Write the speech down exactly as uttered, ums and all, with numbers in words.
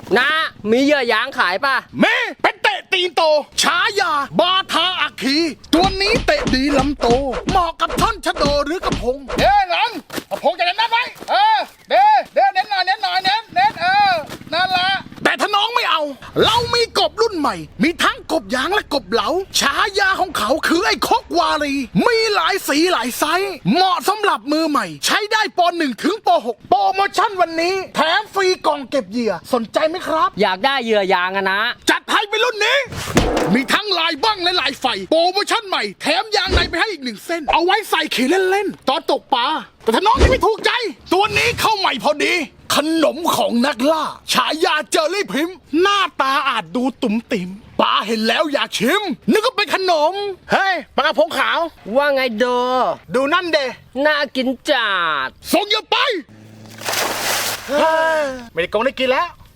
นะมีเหยื่อยางขายป่ะเมเป็นเตะตีนโตฉายาบาทาอัคคีตัวนี้เตะดีลำโตเหมาะกับท่อนชะโดหรือกระพงเด้หลังกระพงจะเน้นนัดไว้เออเด้เด้เน้นหน่อยเน้นหน่อยเน้นเน้นเออนั่นละแต่ถ้าน้องไม่เอา เรามีกบรุ่นใหม่ มีทั้งกบยางและกบเหลาฉายาของเขาคือไอ้คกวารีมีหลายสีหลายไซส์เหมาะสำหรับมือใหม่ ใช้ได้ปหนึ่งถึงปหกโปรโมชั่นวันนี้แถมฟรีกล่องเก็บเหยื่อสนใจไหมครับอยากได้เหยื่อยางอะนะจัดให้ไปรุ่นนี้ มีทั้งลายบ้างและลายไฟโปรโมชั่นใหม่แถมยางในไปให้อีกหนึ่งเส้น เอาไว้ใส่ขี่เล่นๆตอนตกปลาแต่ถ้าน้องยังไม่ถูกใจ ตัวนี้เข้าใหม่พอดี ขนมของนักล่า ฉายาเจอรี่พิมพ์หน้าตาอาจดูตุ่มติ่มปลาเห็นแล้วอยากชิม นึกว่าเป็นขนม เฮ้ยปลากระพงขาวว่าไงโดดูนั่นเดน่ากินจัดส่งอย่าไป ไม่ได้กงได้กินแล้ว